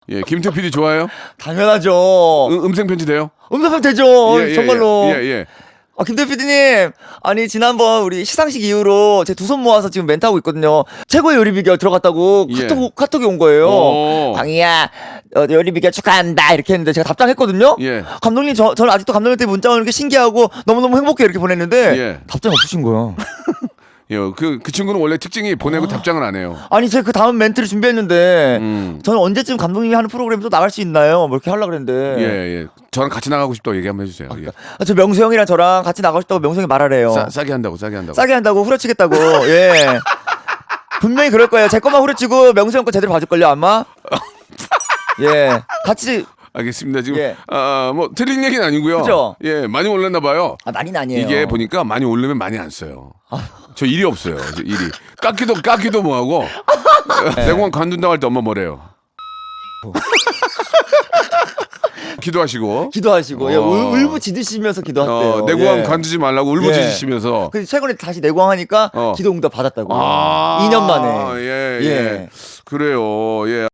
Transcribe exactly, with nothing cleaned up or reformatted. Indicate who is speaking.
Speaker 1: 예, 김태 피디 좋아요?
Speaker 2: 당연하죠.
Speaker 1: 음, 음성 편지 돼요?
Speaker 2: 응답하면 되죠.
Speaker 1: 예, 예,
Speaker 2: 정말로.
Speaker 1: 예, 예, 예.
Speaker 2: 아, 김대 피디님, 아니 지난번 우리 시상식 이후로 제 두 손 모아서 지금 멘트하고 있거든요. 최고의 요리 비결 들어갔다고
Speaker 1: 예.
Speaker 2: 카톡, 카톡이 온 거예요.
Speaker 1: 오.
Speaker 2: 광희야, 어, 요리 비결 축하한다 이렇게 했는데 제가 답장했거든요.
Speaker 1: 예.
Speaker 2: 감독님, 저, 저는 아직도 감독님한테 문자 오는 게 신기하고 너무너무 행복해 이렇게 보냈는데
Speaker 1: 예.
Speaker 2: 답장이 없으신 거예요.
Speaker 1: 예, 그, 그 친구는 원래 특징이 보내고 답장을 안 해요.
Speaker 2: 아니 제가 그 다음 멘트를 준비했는데
Speaker 1: 음.
Speaker 2: 저는 언제쯤 감독님이 하는 프로그램 또 나갈 수 있나요? 뭐 이렇게 하려고 그랬는데.
Speaker 1: 예, 예. 저랑 같이 나가고 싶다고 얘기 한번 해주세요. 예.
Speaker 2: 아, 저 명수 형이랑 저랑 같이 나가고 싶다고 명수 형이 말하래요.
Speaker 1: 싸, 싸게 한다고, 싸게 한다고.
Speaker 2: 싸게 한다고 후려치겠다고. 예. 분명히 그럴 거예요. 제 것만 후려치고 명수 형 거 제대로 봐줄걸요 아마. 예. 같이.
Speaker 1: 알겠습니다. 지금
Speaker 2: 예.
Speaker 1: 아, 뭐 틀린 얘기는 아니고요.
Speaker 2: 그죠?
Speaker 1: 예, 많이 올랐나 봐요.
Speaker 2: 아 많이는 아니에요.
Speaker 1: 이게 보니까 많이 오르면 많이 안 써요. 저 일이 없어요. 저 일이 깎기도 깎기도 뭐하고 내공원 관둔다고 할 때 엄마 뭐래요? 기도하시고
Speaker 2: 기도하시고 예,
Speaker 1: 어.
Speaker 2: 울, 울부짖으시면서 기도하대요.
Speaker 1: 어, 내고왕
Speaker 2: 예.
Speaker 1: 관두지 말라고 울부짖으시면서
Speaker 2: 근데 최근에 다시 내고왕 하니까
Speaker 1: 어.
Speaker 2: 기도 응답 받았다고.
Speaker 1: 아,
Speaker 2: 이 년 만에.
Speaker 1: 예, 예.
Speaker 2: 예.
Speaker 1: 그래요. 예.